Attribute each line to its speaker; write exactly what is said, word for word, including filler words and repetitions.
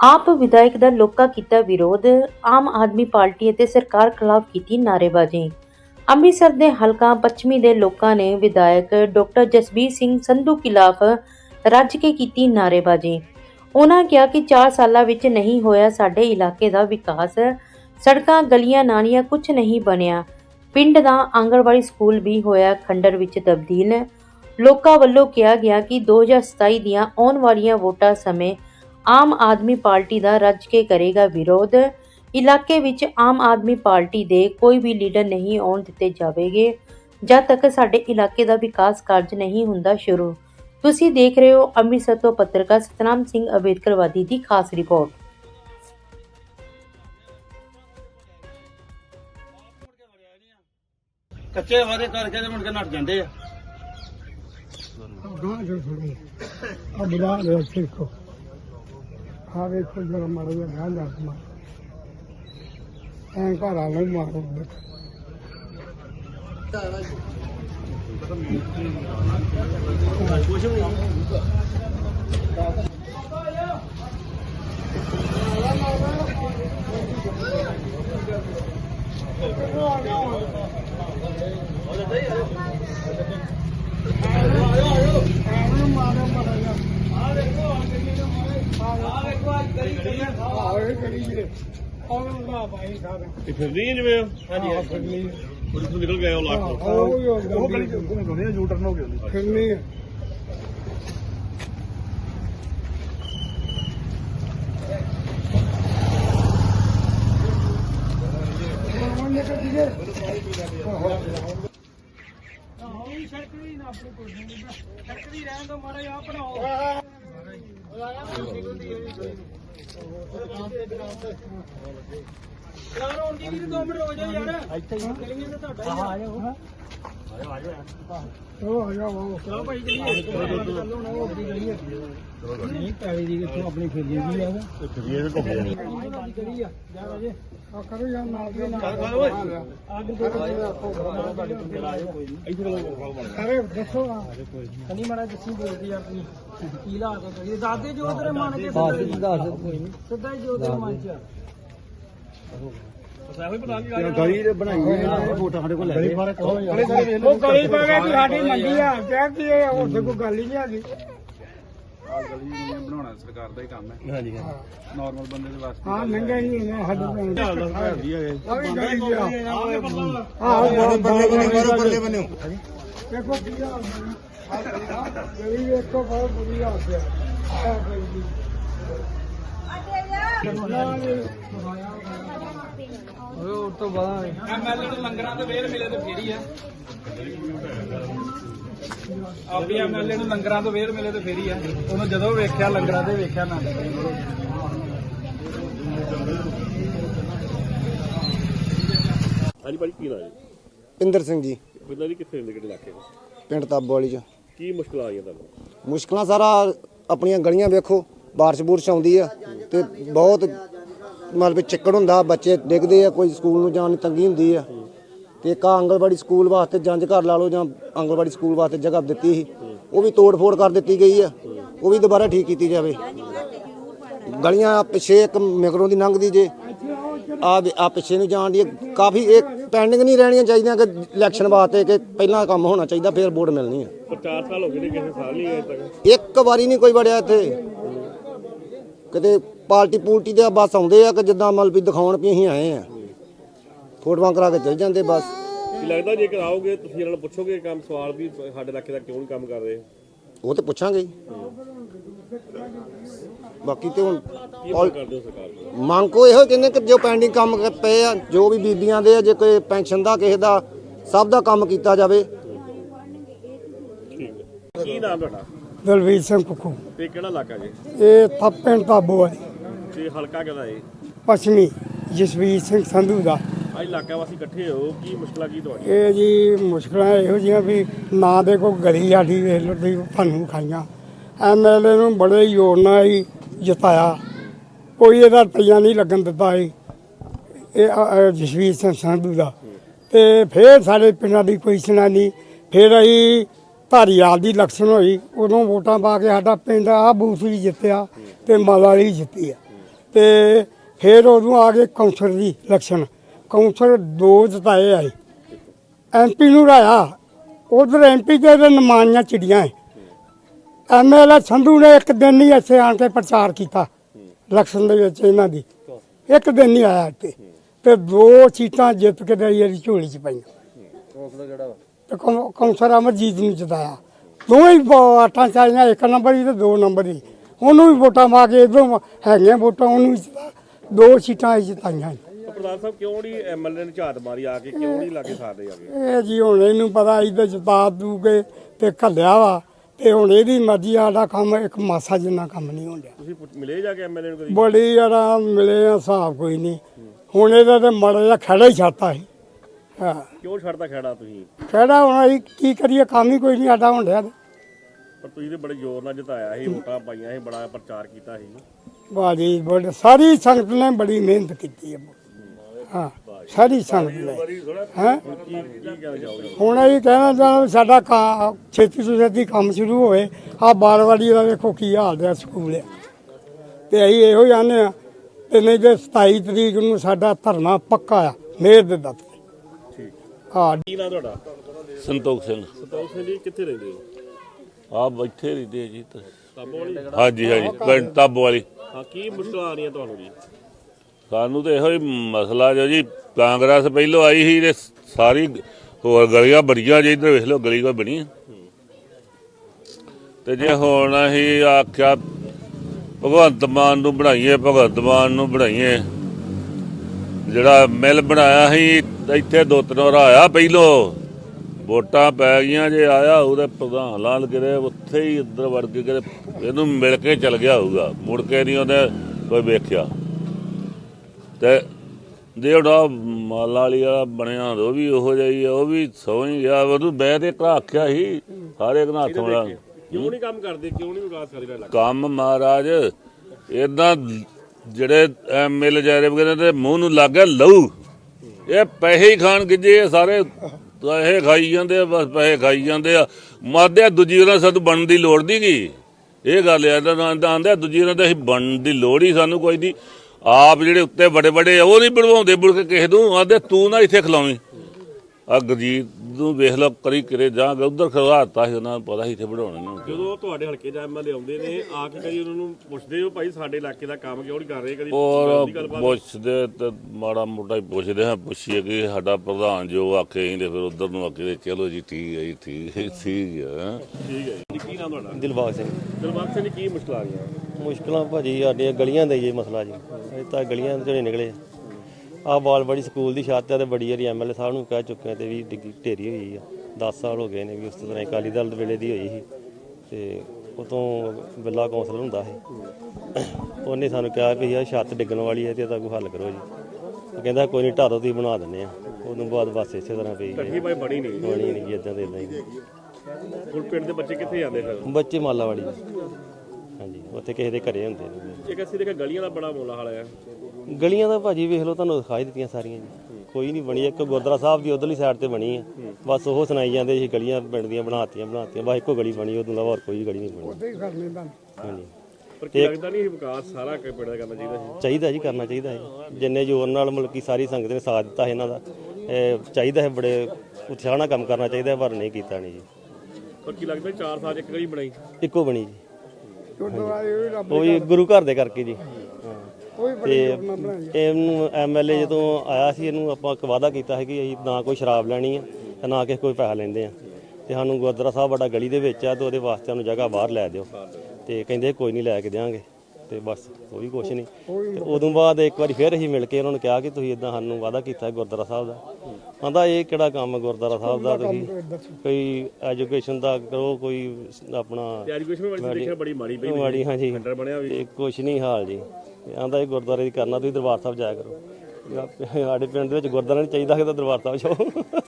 Speaker 1: ਆਪ ਵਿਧਾਇਕ ਦਾ ਲੋਕਾਂ ਕੀਤਾ ਵਿਰੋਧ। ਆਮ ਆਦਮੀ ਪਾਰਟੀ ਅਤੇ ਸਰਕਾਰ ਖਿਲਾਫ ਕੀਤੀ ਨਾਅਰੇਬਾਜ਼ੀ। ਅੰਮ੍ਰਿਤਸਰ ਦੇ ਹਲਕਾ ਪੱਛਮੀ ਦੇ ਲੋਕਾਂ ਨੇ ਵਿਧਾਇਕ ਡਾਕਟਰ ਜਸਬੀਰ ਸਿੰਘ ਸੰਧੂ ਖਿਲਾਫ ਰੱਜ ਕੇ ਕੀਤੀ ਨਾਅਰੇਬਾਜ਼ੀ। ਉਹਨਾਂ ਕਿਹਾ ਕਿ ਚਾਰ ਸਾਲਾਂ ਵਿੱਚ ਨਹੀਂ ਹੋਇਆ ਸਾਡੇ ਇਲਾਕੇ ਦਾ ਵਿਕਾਸ, ਸੜਕਾਂ ਗਲੀਆਂ ਨਾਲੀਆਂ ਕੁਝ ਨਹੀਂ ਬਣਿਆ। ਪਿੰਡ ਦਾ ਆਂਗਣਵਾੜੀ ਸਕੂਲ ਵੀ ਹੋਇਆ ਖੰਡਰ ਵਿੱਚ ਤਬਦੀਲ। ਲੋਕਾਂ ਵੱਲੋਂ ਕਿਹਾ ਗਿਆ ਕਿ ਦੋ ਹਜ਼ਾਰ ਸਤਾਈ ਦੀਆਂ ਆਉਣ ਵਾਲੀਆਂ ਵੋਟਾਂ ਸਮੇਂ ਆਮ ਆਦਮੀ ਪਾਰਟੀ ਦਾ ਰੱਜ ਕੇ ਕਰੇਗਾ ਵਿਰੋਧ। ਇਲਾਕੇ ਵਿੱਚ ਆਮ ਆਦਮੀ ਪਾਰਟੀ ਦੇ ਕੋਈ ਵੀ ਲੀਡਰ ਨਹੀਂ ਆਉਣ ਦਿੱਤੇ ਜਾਵੇਗੇ ਜਦ ਤੱਕ ਸਾਡੇ ਇਲਾਕੇ ਦਾ ਵਿਕਾਸ ਕਾਰਜ ਨਹੀਂ ਹੁੰਦਾ ਸ਼ੁਰੂ। ਤੁਸੀਂ ਦੇਖ ਰਹੇ ਹੋ ਅੰਮ੍ਰਿਤਸਰ ਤੋਂ ਪੱਤਰਕਾਰ ਸਤਨਾਮ ਸਿੰਘ ਅੰਬੇਦਕਰਵਾਦੀ ਦੀ ਖਾਸ ਰਿਪੋਰਟ।
Speaker 2: ਕੱਚੇ ਵਾਦੇ ਕਰਕੇ ਤੇ ਮੁੜ ਕੇ ਨੱਟ ਜਾਂਦੇ ਆ।
Speaker 3: ਆ ਬੁਲਾ ਲਿਆ ਸਿੱਖੋ ਆ ਵੇਖੋ ਜਰਾ ਮਾੜਾ ਜਿਹਾ ਗਾਂ ਦਾ ਸਮਾਂ ਐਂ ਘਰ ਆ ਨੂੰ ਮਾਰੋ
Speaker 2: ਕੁਛ ਵੀ ਫਿਰਦੀ ਜਿਵੇਂ ਹਾਂਜੀ ਪੁਲਿਸ ਨਿਕਲ ਗਏ ਉਹ ਲੱਖ ਉਹ ਗਲੀ ਘੁੰਮਦੇ ਯੂ ਟਰਨ ਹੋ ਗਿਆ
Speaker 3: ਫਿਰਨੀ ਆਪਣੀ ਫਿਰਦੀ ਵੀ ਆ ਕਰੋ ਯਾਰ ਨਾਲ ਅਰੇ ਦੱਸੋ ਕਨੀ ਮਾੜਾ ਜੱਸੀ ਬੋਲਦੀ ਯਾਰ ਤੁਸੀਂ ਕੀ ਲਾ ਕੇ ਦਾਦੇ ਜੋ ਤੇਰੇ ਮਨ ਕੇ ਸਿੱਧਾ ਹੀ ਜੋ ਤੇਰੇ ਮਨ ਚ
Speaker 2: ਗਲੀ ਬਣਾਈ ਹੋਈ ਫੋਟੋ ਸਾਡੇ ਕੋਲ ਲੈ ਗਏ
Speaker 3: ਉਹ ਗਲੀ ਪਾ ਕੇ ਸਾਡੀ ਮੰਡੀ ਆ ਕਹਿ ਕੀ ਉੱਥੇ ਕੋਈ ਗੱਲ ਹੀ ਨਹੀਂ ਹੈਗੀ।
Speaker 2: ਆ ਗਲੀ ਬਣਾਉਣਾ ਸਰਕਾਰ ਦਾ ਹੀ ਕੰਮ ਹੈ। ਹਾਂਜੀ ਨਾਰਮਲ ਬੰਦੇ ਦੇ ਵਾਸਤੇ
Speaker 3: ਹਾਂ ਨੰਗਾ ਹੀ ਨੇ ਸਾਡੇ ਪਿੰਡ
Speaker 2: ਚੱਲ ਦੱਸ ਵਧੀਆ ਹੈ
Speaker 3: ਆ ਵੀ ਗਲੀ ਆ
Speaker 2: ਆਹ ਬੱਲੇ ਬਣੇ ਮਾਰੋ ਬੱਲੇ ਬਣੇ
Speaker 3: ਦੇਖੋ ਕੀ ਹਾਲ ਹੈ ਗਲੀ ਵੇਖੋ ਬਹੁਤ ਵਧੀਆ ਹੋ ਗਿਆ ਆ ਗਲੀ ਉਹ ਤੋਂ ਬਾਅਦ
Speaker 2: ਐਮਐਲਏ ਨੂੰ ਲੰਗਰਾਂ ਤੋਂ ਵੇਲ ਮਿਲੇ ਤੇ ਫੇਰ ਹੀ ਆ ਆਪੀ ਐਮਐਲਏ ਨੂੰ ਲੰਗਰਾਂ ਤੋਂ ਵੇਲ ਮਿਲੇ ਤੇ ਫੇਰ ਹੀ ਆ। ਉਹਨੂੰ ਜਦੋਂ ਵੇਖਿਆ ਲੰਗਰਾਂ ਤੇ ਵੇਖਿਆ ਨਾ
Speaker 4: ਹਾਂਜੀ ਭਾਜੀ ਕੀ ਨਾਮ ਹੈ?
Speaker 5: ਇੰਦਰ ਸਿੰਘ ਜੀ।
Speaker 4: ਪਿੰਡਾਂ ਦੀ ਕਿੱਥੇ ਹੁੰਦੇ ਕਿਹੜੇ ਇਲਾਕੇ ਦੇ?
Speaker 5: ਪਿੰਡ ਤਾਬੋ ਵਾਲੀ ਚ।
Speaker 4: ਕੀ ਮੁਸ਼ਕਲਾਂ ਆਈਆਂ ਤੁਹਾਨੂੰ?
Speaker 5: ਮੁਸ਼ਕਲਾਂ ਸਾਰਾ ਆਪਣੀਆਂ ਗਲੀਆਂ ਵੇਖੋ, ਬਾਰਿਸ਼ ਬੂਰਸ਼ ਆਉਂਦੀ ਆ ਤੇ ਬਹੁਤ ਮਤਲਬ ਚਿੱਕੜ ਹੁੰਦਾ, ਬੱਚੇ ਡਿੱਗਦੇ ਆ, ਕੋਈ ਸਕੂਲ ਨੂੰ ਜਾਣ ਦੀ ਤੰਗੀ ਹੁੰਦੀ ਆ। ਤੇ ਇੱਕ ਆਂਗਣਵਾੜੀ ਸਕੂਲ ਵਾਸਤੇ ਜੰਝ ਘਰ ਲਾ ਲਓ ਜਾਂ ਆਂਗਣਵਾੜੀ ਸਕੂਲ ਵਾਸਤੇ ਜਗ੍ਹਾ ਦਿੱਤੀ ਸੀ, ਉਹ ਵੀ ਤੋੜ ਫੋੜ ਕਰ ਦਿੱਤੀ ਗਈ ਆ, ਉਹ ਵੀ ਦੁਬਾਰਾ ਠੀਕ ਕੀਤੀ ਜਾਵੇ। ਗਲੀਆਂ ਪਿੱਛੇ ਇੱਕ ਮਿਗਰੋਂ ਦੀ ਲੰਘਦੀ ਜੇ ਆ ਆ ਪਿੱਛੇ ਨੂੰ ਜਾਣ ਦੀ ਕਾਫੀ ਇੱਕ ਪੈਂਡਿੰਗ ਨਹੀਂ ਰਹਿਣੀਆਂ ਚਾਹੀਦੀਆਂ ਕਿ ਇਲੈਕਸ਼ਨ ਵਾਸਤੇ ਕਿ ਪਹਿਲਾਂ ਕੰਮ ਹੋਣਾ ਚਾਹੀਦਾ ਫਿਰ ਵੋਟ ਮਿਲਣੀ ਆ।
Speaker 4: ਪਰ ਚਾਰ ਸਾਲ ਹੋ ਗਏ ਨੇ, ਕਿਸੇ ਸਾਲ ਨਹੀਂ ਆਏ ਤੱਕ
Speaker 5: ਇੱਕ ਵਾਰੀ ਨਹੀਂ ਕੋਈ ਵੜਿਆ ਇੱਥੇ। ਕਿਤੇ ਪਾਰਟੀ ਪੂਲਟੀ ਦੇ ਬਸ ਆਉਂਦੇ ਆ ਕਿ ਜਿੱਦਾਂ ਮਤਲਬ ਵੀ ਦਿਖਾਉਣ ਵੀ ਅਸੀਂ ਆਏ ਆ, ਫੋਟੋਆਂ ਕਰਾ ਕੇ ਚਲ ਜਾਂਦੇ ਬਸ।
Speaker 4: ਕੀ ਲੱਗਦਾ ਜੇ ਕਰਾਓਗੇ ਤੁਸੀਂ ਇਹਨਾਂ ਨੂੰ ਪੁੱਛੋਗੇ ਕੰਮ ਸਵਾਲ ਵੀ ਸਾਡੇ ਇਲਾਕੇ ਦਾ ਕਿਉਂ ਨਹੀਂ ਕੰਮ ਕਰ ਰਹੇ?
Speaker 5: ਉਹ ਤੇ ਪੁੱਛਾਂਗੇ ਹੀ। ਬਾਕੀ ਤੇ ਹੁਣ
Speaker 4: ਕੀ ਮੰਗ ਕਰਦੇ ਹੋ ਸਰਕਾਰ ਤੋਂ?
Speaker 5: ਮੰਗ ਕੋ ਇਹੋ ਕਹਿੰਦੇ ਕਿ ਜੋ ਪੈਂਡਿੰਗ ਕੰਮ ਪਏ ਆ, ਜੋ ਵੀ ਬੀਬੀਆਂ ਦੇ ਆ, ਜੇ ਕੋਈ ਪੈਨਸ਼ਨ ਦਾ ਕਿਸੇ ਦਾ, ਸਭ ਦਾ ਕੰਮ ਕੀਤਾ ਜਾਵੇ।
Speaker 4: ਠੀਕ ਹੈ। ਕੀ ਨਾਮ ਤੁਹਾਡਾ?
Speaker 3: ਦਲਵੀਰ ਸਿੰਘ ਕੁੱਕੂ।
Speaker 4: ਤੇ ਕਿਹੜਾ ਇਲਾਕਾ ਜੀ?
Speaker 3: ਇਹ ਥੱਪਣ ਤਾਬੋ ਵਾਲੀ
Speaker 4: ਤੇ ਹਲਕਾ ਕਿਹਦਾ ਹੈ?
Speaker 3: ਪੱਛਮੀ ਜਸਵੀਰ ਸਿੰਘ ਸੰਧੂ ਦਾ।
Speaker 4: ਆ ਇਲਾਕਾ ਵਾਸੀ ਇਕੱਠੇ ਹੋ, ਕੀ ਮੁਸ਼ਕਲਾਂ ਕੀ ਤੁਹਾਡੀ?
Speaker 3: ਇਹ ਜੀ ਮੁਸ਼ਕਲਾਂ ਇਹੋ ਜਿਹੀਆਂ ਵੀ ਨਾ ਦੇ ਕੋਈ ਗਲੀ ਸਾਡੀ ਵੇਖ ਲਓ ਤੁਸੀਂ ਸਾਨੂੰ ਖਾਈਆਂ। ਐਮ ਐਲ ਏ ਨੂੰ ਬੜੇ ਜ਼ੋਰ ਨਾਲ ਹੀ ਜਿਤਾਇਆ, ਕੋਈ ਇਹਦਾ ਰੁਪਈਆ ਨਹੀਂ ਲੱਗਣ ਦਿੱਤਾ ਸੀ ਇਹ ਜਸਵੀਰ ਸਿੰਘ ਸੰਧੂ ਦਾ। ਤੇ ਫਿਰ ਸਾਡੇ ਪਿੰਡਾਂ ਦੀ ਕੋਈ ਸੁਣਾ ਨਹੀਂ। ਫਿਰ ਅਸੀਂ ਧਾਰੀਵਾਲ ਦੀ ਇਲੈਕਸ਼ਨ ਹੋਈ, ਉਦੋਂ ਵੋਟਾਂ ਪਾ ਕੇ ਸਾਡਾ ਪਿੰਡ ਆਹ ਬੂਥ ਵੀ ਜਿੱਤਿਆ ਤੇ ਮਾਲਾ ਵਾਲੀ ਜਿੱਤੀ ਆ। ਤੇ ਫਿਰ ਉਦੋਂ ਆ ਗਏ ਕੌਂਸਲ ਦੀ ਇਲੈਕਸ਼ਨ। ਕੌਂਸਲ ਦੋ ਜਿਤਾਏ ਆਏ, ਐਮਪੀ ਨੂੰ ਹਰਾਇਆ। ਉਧਰ ਐਮਪੀ ਦੇ ਨਮਾਨੀਆਂ ਚਿੜੀਆਂ ਐਮ ਐਲ ਏ ਸੰਧੂ ਨੇ ਇੱਕ ਦਿਨ ਨਹੀਂ ਇੱਥੇ ਆਣ ਕੇ ਪ੍ਰਚਾਰ ਕੀਤਾ ਇਲੈਕਸ਼ਨ ਦੇ ਵਿੱਚ। ਇਹਨਾਂ ਦੀ ਇੱਕ ਦਿਨ ਨਹੀਂ ਆਇਆ ਇੱਥੇ, ਤੇ ਦੋ ਸੀਟਾਂ ਜਿੱਤ ਕੇ ਤੇ ਇਹਦੀ ਝੋਲੀ 'ਚ ਪਈਆਂ। ਤੇ ਕੌਂ- ਕੌਂਸਲ ਅਮਰਜੀਤ ਨੂੰ ਜਿਤਾਇਆ। ਦੋਵੇਂ ਹੀ ਆਟਾਂ ਚਾਹੀਆਂ, ਇੱਕ ਨੰਬਰ ਹੀ ਤੇ ਦੋ ਨੰਬਰ ਹੀ। ਉਹਨੂੰ ਵੀ ਵੋਟਾਂ ਪਾ ਕੇ ਇੱਧਰੋਂ ਹੈਗੀਆਂ ਵੋਟਾਂ, ਉਹਨੂੰ ਵੀ ਜਿਤਾ, ਦੋ ਸੀਟਾਂ ਹੀ ਜਿਤਾਈਆਂ।
Speaker 4: ਪ੍ਰਧਾਨ ਸਾਹਿਬ ਕਿਉਂ ਨਹੀਂ ਐਮਐਲਏ ਨੇ ਝਾਤ ਮਾਰੀ ਆ ਕੇ, ਕਿਉਂ ਨਹੀਂ ਲਾਗੇ ਸਾਡੇ ਆ ਕੇ?
Speaker 3: ਇਹ ਜੀ ਹੁਣ ਇਹਨੂੰ ਪਤਾ ਇਹਦੇ ਜਿਤਾ ਦੂਗੇ ਤੇ ਘੱਲਿਆ ਵਾ, ਤੇ ਹੁਣ ਇਹਦੀ ਮਰਜ਼ੀ। ਸਾਡਾ ਕੰਮ ਇੱਕ ਮਾਸਾ ਜਿੰਨਾ ਕੰਮ ਨਹੀਂ ਹੋਣ ਡਿਆ।
Speaker 4: ਤੁਸੀਂ ਪੁੱਛ- ਮਿਲੇ ਜਾ ਕੇ ਐਮਐਲਏ ਨੂੰ ਕਦੀ?
Speaker 3: ਬੜੀ ਯਾਰ ਮਿਲੇ ਆ, ਹਿਸਾਬ ਕੋਈ ਨਹੀਂ। ਹੁਣ ਇਹਦਾ ਤੇ ਮਾੜਾ ਜਿਹਾ ਖੜਾ ਹੀ ਛੱਡਤਾ ਸੀ। ਹਾਂ,
Speaker 4: ਕਿਉਂ ਛੱਡਦਾ ਖੜਾ ਤੁਸੀਂ?
Speaker 3: ਖੜਾ ਹੁਣ ਅਸੀਂ ਕੀ ਕਰੀਏ, ਕੰਮ ਹੀ ਕੋਈ ਨਹੀਂ ਸਾਡਾ ਹੋਣ ਡਿਆ।
Speaker 4: ਪਰ ਤੁਸੀਂ ਤੇ ਬੜੇ ਜ਼ੋਰ ਨਾਲ ਜਿਤਾਇਆ ਸੀ, ਵੋਟਾਂ ਪਾਈਆਂ ਸੀ, ਬੜਾ ਪ੍ਰਚਾਰ ਕੀਤਾ ਸੀ।
Speaker 3: ਬਾਜੀ ਬੜੀ ਸਾਰੀ ਸੰਗਤ ਨੇ ਬੜੀ ਮਿਹਨਤ ਕੀਤੀ ਹੈ। ਹਾਂ, ਸਾਰੀ ਸੰਗਤ ਨੇ। ਹੈਂ
Speaker 4: ਕੀ ਕੀ ਕਹਿਣਾ ਚਾਹੋਗੇ?
Speaker 3: ਹੁਣ ਇਹ ਕਹਿਣਾ ਚਾਹੁੰਦਾ ਵੀ ਸਾਡਾ ਕਾ- ਛੇਤੀ ਤੋਂ ਛੇਤੀ ਕੰਮ ਸ਼ੁਰੂ ਹੋਵੇ। ਆਹ ਬਾਲਵਾੜੀ ਦਾ ਵੇਖੋ ਕੀ ਹਾਲ ਹੈ, ਸਕੂਲ ਹੈ। ਤੇ ਅਸੀਂ ਇਹੋ ਚਾਹੁੰਦੇ ਹਾਂ, ਤੇ ਨਹੀਂ ਤੇ ਸਤਾਈ ਤਰੀਕ ਨੂੰ ਸਾਡਾ ਧਰਨਾ ਪੱਕਾ ਆ, ਮੇਰ ਦੇ ਦਫ਼ਤਰ। ਹਾਂ,
Speaker 4: ਕੀ ਨਾਂ ਤੁਹਾਡਾ?
Speaker 6: ਸੰਤੋਖ ਸਿੰਘ।
Speaker 4: ਸੰਤੋਖ ਸਿੰਘ ਜੀ, ਕਿੱਥੇ ਰਹਿੰਦੇ ਹੋ?
Speaker 6: ਆ ਬੈਠੇ ਰਹਿੰਦੇ ਜੀ ਇੱਥੇ।
Speaker 4: ਤਾਬੋ ਵਾਲੀ?
Speaker 6: ਹਾਂਜੀ ਹਾਂਜੀ, ਪਿੰਡ ਤਾਬੋ ਵਾਲੀ।
Speaker 4: ਹਾਂ, ਕੀ ਮੁਸ਼ਕਲਾਂ ਆ ਰਹੀਆਂ ਤੁਹਾਨੂੰ ਜੀ?
Speaker 6: ਸਾਨੂੰ ਤਾਂ ਇਹੋ ਹੀ ਮਸਲਾ ਜੋ ਜੀ, ਕਾਂਗਰਸ ਪਹਿਲੋਂ ਆਈ ਸੀ ਤੇ ਸਾਰੀ ਹੋਰ ਗਲੀਆਂ ਬੜੀਆਂ ਜੀ, ਇੱਧਰ ਵੇਖ ਲਓ ਗਲੀ ਕੋਈ ਬਣੀ ਆ। ਤੇ ਜੇ ਹੁਣ ਅਸੀਂ ਆਖਿਆ ਭਗਵੰਤ ਮਾਨ ਨੂੰ ਬਣਾਈਏ, ਭਗਵੰਤ ਮਾਨ ਨੂੰ ਬਣਾਈਏ, ਜਿਹੜਾ ਮਿਲ ਬਣਾਇਆ ਸੀ ਇੱਥੇ ਦੋ ਤਿੰਨ ਵਾਰ ਆਇਆ ਪਹਿਲੋਂ, ਵੋਟਾਂ ਪੈ ਗਈਆਂ ਜੇ ਆਇਆ ਉਹਦੇ ਪ੍ਰਧਾਨ ਲਾਲ ਕਿਤੇ ਉੱਥੇ ਹੀ ਇੱਧਰ ਵੜ ਕੇ ਕਿਤੇ ਇਹਨੂੰ ਮਿਲ ਕੇ ਚਲ ਗਿਆ ਹੋਊਗਾ, ਮੁੜ ਕੇ ਨਹੀਂ ਉਹਨੇ ਕੋਈ ਵੇਖਿਆ। ਤੇ ਜੇ ਉਹਦਾ ਮਾਲਾ ਵਾਲੀ ਵਾਲਾ ਬਣਿਆ ਉਹ ਵੀ ਉਹੋ ਜਿਹਾ ਹੀ ਆ, ਉਹ ਵੀ ਸੌਂ ਹੀ ਗਿਆ। ਉਹਨੂੰ ਬਹਿ ਤੇ ਘਰ ਆਖਿਆ ਸੀ ਸਾਰੇ ਘਰ ਹੱਥ ਵਾਲਾ
Speaker 4: ਕਿਉਂ ਨਹੀਂ ਕੰਮ ਕਰਦੇ, ਕਿਉਂ ਨਹੀਂ ਵਿਕਾਸ ਕਰ ਰਿਹਾ?
Speaker 6: ਕੰਮ ਮਹਾਰਾਜ ਏਦਾਂ ਜਿਹੜੇ ਐਮਐਲ ਜਾਰੇ ਵਗੈਰਾ ਦੇ ਮੂੰਹ ਨੂੰ ਲੱਗ ਗਿਆ ਲਹੂ। ਇਹ ਪੈਸੇ ਹੀ ਖਾਣ ਗਿੱਜੇ ਸਾਰੇ, ਪੈਸੇ ਖਾਈ ਜਾਂਦੇ ਆ, ਬਸ ਪੈਸੇ ਖਾਈ ਜਾਂਦੇ ਆ। ਮਾਦੇ ਦੂਜੀ ਉਹਨਾਂ ਸਾਨੂੰ ਬਣਨ ਦੀ ਲੋੜ ਨਹੀਂ ਗੀ। ਇਹ ਗੱਲ ਆ ਆਂਦੇ ਦੂਜੀ ਉਹਨਾਂ ਤੇ ਅਸੀਂ ਬਣਨ ਦੀ ਲੋੜ ਹੀ ਸਾਨੂੰ ਕੋਈ ਨਹੀਂ। ਆਪ ਜਿਹੜੇ ਉੱਤੇ ਬੜੇ ਬੜੇ ਉਹ ਨਹੀਂ ਬਣਵਾਉਂਦੇ ਬੁੜ ਕੇ ਕਿਸੇ ਨੂੰ, ਆਂਦੇ ਤੂੰ ਨਾ ਇੱਥੇ ਖਿਲਾਵੀਂ। ਆ ਗੁਰਜੀਤ ਨੂੰ ਵੇਖ ਲਓ, ਕਰੀ ਕਿਰੇ ਜਾਗੇ ਉਧਰ ਖਿਲਾਤਾ ਸੀ, ਉਹਨਾਂ ਨੂੰ ਪਤਾ ਸੀ ਇੱਥੇ ਬਣਾਉਣਾ ਨੂੰ।
Speaker 4: ਜਦੋਂ ਤੁਹਾਡੇ ਹਲਕੇ ਦਾ ਐਮਐਲਏ ਆਉਂਦੇ ਨੇ ਆ ਕੇ ਕਦੀ ਉਹਨਾਂ ਨੂੰ ਪੁੱਛਦੇ ਹੋ ਭਾਈ ਸਾਡੇ ਇਲਾਕੇ ਦਾ ਕੰਮ ਕਿਉਂ ਨਹੀਂ ਕਰ ਰਹੇ? ਕਦੀ
Speaker 6: ਔਰ
Speaker 4: ਦੀ ਗੱਲਬਾਤ?
Speaker 6: ਪੁੱਛਦੇ ਤੇ ਮਾੜਾ ਮੋਟਾ ਹੀ ਪੁੱਛਦੇ ਹਾਂ, ਪੁੱਛੀਏ ਕਿ ਸਾਡਾ ਪ੍ਰਧਾਨ ਜੋ ਆਖੇ ਅਸੀਂ ਤੇ ਫਿਰ ਉਧਰ ਨੂੰ ਆਖੇ ਚਲੋ ਜੀ ਠੀਕ ਹੈ ਜੀ, ਠੀਕ ਹੈ, ਠੀਕ ਹੈ।
Speaker 4: ਠੀਕ ਹੈ ਜੀ। ਕੀ ਨਾਮ ਤੁਹਾਡਾ?
Speaker 7: ਦਿਲਬਾਗ ਸਿੰਘ।
Speaker 4: ਦਿਲਬਾਗ ਸਿੰਘ ਜੀ, ਕੀ ਮੁਸ਼ਕਲਾਂ ਆ ਰਹੀਆਂ?
Speaker 7: ਮੁਸ਼ਕਲਾਂ ਭਾਜੀ ਸਾਡੀਆਂ ਗਲੀਆਂ ਦਾ ਹੀ ਇਹ ਮਸਲਾ ਜੀ। ਇਹ ਤਾਂ ਗਲੀਆਂ ਦੇ ਨਿਕਲੇ ਆਹ ਬਾਲਵਾੜੀ ਸਕੂਲ ਦੀ ਛੱਤ ਆ ਤੇ ਬੜੀ ਵਾਰੀ ਐਮਐਲਏ ਸਾਹਿਬ ਨੂੰ ਕਹਿ ਚੁੱਕੇ ਤੇ ਵੀ ਡਿੱਗੀ ਢੇਰੀ ਹੋਈ ਆ। ਦਸ ਸਾਲ ਹੋ ਗਏ ਨੇ ਵੀ ਉਸ ਤਰ੍ਹਾਂ ਅਕਾਲੀ ਦਲ ਦੇ ਵੇਲੇ ਦੀ ਹੋਈ ਸੀ ਤੇ ਉਤੋਂ ਬਿੱਲਾ ਕੌਂਸਲਰ ਹੁੰਦਾ ਸੀ। ਉਹਨੇ ਸਾਨੂੰ ਕਿਹਾ ਵੀ ਇਹ ਛੱਤ ਡਿੱਗਣ ਵਾਲੀ ਹੈ ਤੇ ਇਹਦਾ ਕੋਈ ਹੱਲ ਕਰੋ ਜੀ। ਉਹ ਕਹਿੰਦਾ ਕੋਈ ਨਹੀਂ ਢਾਹ ਦੋ, ਤੁਸੀਂ ਬਣਾ ਦਿੰਦੇ ਆ। ਉਦੋਂ ਬਾਅਦ ਬਸ ਇਸੇ ਤਰ੍ਹਾਂ ਪਈ
Speaker 4: ਇਕੱਠੀ ਭਾਈ ਬਣੀ ਨਹੀਂ
Speaker 7: ਬਣੀ ਨਹੀਂ ਜੀ, ਇੱਦਾਂ ਦੇ ਇੱਦਾਂ ਹੀ।
Speaker 4: ਹੁਣ ਪਿੰਡ ਦੇ ਬੱਚੇ ਕਿੱਥੇ ਜਾਂਦੇ ਫਿਰ?
Speaker 7: ਬੱਚੇ ਮਾਲਾਵਾੜੀ ਹਾਂਜੀ, ਉੱਥੇ ਕਿਸੇ ਦੇ ਘਰੇ ਹੁੰਦੇ ਨੇ।
Speaker 4: ਇੱਕ ਅਸੀਂ ਦੇਖਿਆ ਗਲੀਆਂ ਦਾ ਬੜਾ ਮੋਲਾ ਹਾਲ ਹੈ।
Speaker 7: ਗਲੀਆਂ ਦਾ ਭਾਜੀ ਵੇਖ ਲਓ, ਤੁਹਾਨੂੰ ਦਿਖਾਈ ਦਿੱਤੀਆਂ ਸਾਰੀਆਂ ਜੀ। ਕੋਈ ਨਹੀਂ ਬਣੀ, ਇੱਕ ਗੁਰਦੁਆਰਾ ਸਾਹਿਬ ਦੀ ਉਧਰਲੀ ਸਾਈਡ ਤੇ ਬਣੀ ਆ, ਬਸ ਉਹ ਸੁਣਾਈ ਜਾਂਦੇ ਸੀ ਗਲੀਆਂ ਪਿੰਡ ਦੀਆਂ ਬਣਾਤੀਆਂ ਬਣਾਤੀਆਂ ਬਸ ਇੱਕੋ ਗਲੀ ਬਣੀ, ਉਦੋਂ ਇਲਾਵਾ ਹੋਰ ਕੋਈ ਗਲੀ ਨਹੀਂ ਬਣੀ। ਹਾਂਜੀ,
Speaker 4: ਪਰ ਕੀ ਲੱਗਦਾ ਨਹੀਂ ਵਿਕਾਸ ਸਾਰਾ ਪਿੰਡ ਦਾ ਕਰਨਾ ਚਾਹੀਦਾ ਸੀ?
Speaker 7: ਚਾਹੀਦਾ ਜੀ, ਕਰਨਾ ਚਾਹੀਦਾ ਹੈ। ਜਿੰਨੇ ਜ਼ੋਰ ਨਾਲ ਮਤਲਬ ਕਿ ਸਾਰੀ ਸੰਗਤ ਨੇ ਸਾਥ ਦਿੱਤਾ ਇਹਨਾਂ ਦਾ, ਇਹ ਚਾਹੀਦਾ ਹੈ, ਬੜੇ ਉਤਸ਼ਾਹ ਨਾਲ ਕੰਮ ਕਰਨਾ ਚਾਹੀਦਾ, ਪਰ ਨਹੀਂ ਕੀਤਾ ਨਹੀਂ ਜੀ।
Speaker 4: ਪਰ ਕੀ ਲੱਗਦਾ ਚਾਰ ਸਾਲ ਇੱਕ ਗਲੀ ਬਣਾਈ?
Speaker 7: ਇੱਕੋ ਬਣੀ ਜੀ, ਉਹ ਵੀ ਗੁਰੂ ਘਰ ਦੇ ਕਰਕੇ ਜੀ। ਤੇ ਇਹਨੂੰ ਐਮਐਲਏ ਜਦੋਂ ਆਇਆ ਸੀ, ਇਹਨੂੰ ਆਪਾਂ ਇੱਕ ਵਾਅਦਾ ਕੀਤਾ ਹੈ ਕਿ ਅਸੀਂ ਨਾ ਕੋਈ ਸ਼ਰਾਬ ਲੈਣੀ ਆ ਤੇ ਨਾ ਕਿਸੇ ਕੋਈ ਪੈਸਾ ਲੈਂਦੇ ਆ, ਤੇ ਸਾਨੂੰ ਗੁਰਦੁਆਰਾ ਸਾਹਿਬ ਸਾਡਾ ਗਲੀ ਦੇ ਵਿੱਚ ਆ ਤੇ ਉਹਦੇ ਵਾਸਤੇ ਸਾਨੂੰ ਜਗ੍ਹਾ ਬਾਹਰ ਲੈ ਦਿਓ। ਤੇ ਕਹਿੰਦੇ ਕੋਈ ਨਹੀਂ ਲੈ ਕੇ ਦਿਆਂਗੇ, ਤੇ ਬਸ ਉਹ ਵੀ ਕੁਛ ਨਹੀਂ। ਤੇ ਉਦੋਂ ਬਾਅਦ ਇੱਕ ਵਾਰੀ ਫਿਰ ਅਸੀਂ ਮਿਲ ਕੇ ਉਹਨਾਂ ਨੂੰ ਕਿਹਾ ਕਿ ਤੁਸੀਂ ਇਦਾਂ ਸਾਨੂੰ ਵਾਅਦਾ ਕੀਤਾ ਗੁਰਦੁਆਰਾ ਸਾਹਿਬ ਦਾ। ਕਹਿੰਦਾ ਇਹ ਕਿਹੜਾ ਕੰਮ ਗੁਰਦੁਆਰਾ ਸਾਹਿਬ ਦਾ, ਤੁਸੀਂ ਕੋਈ ਐਜੂਕੇਸ਼ਨ ਦਾ ਕਰੋ, ਕੋਈ ਆਪਣਾ
Speaker 4: ਐਜੂਕੇਸ਼ਨ ਵਾਲੀ ਦੇਖਿਆ ਬੜੀ ਮਾੜੀ ਪਈ
Speaker 7: ਮਾੜੀ। ਹਾਂਜੀ,
Speaker 4: ਖੰਡਰ ਬਣਿਆ ਵੀ
Speaker 7: ਇਹ ਕੁਛ ਨਹੀਂ ਹਾਲ ਜੀ। ਆਂਦਾ ਇਹ ਗੁਰਦੁਆਰੇ ਦੀ ਕਰਨਾ, ਤੁਸੀਂ ਦਰਬਾਰ ਸਾਹਿਬ ਜਾਇਆ ਕਰੋ। ਸਾਡੇ ਪਿੰਡ ਦੇ ਵਿੱਚ ਗੁਰਦੁਆਰਾ ਨਹੀਂ ਚਾਹੀਦਾ ਕਿ ਦਰਬਾਰ ਸਾਹਿਬ ਜਾਓ।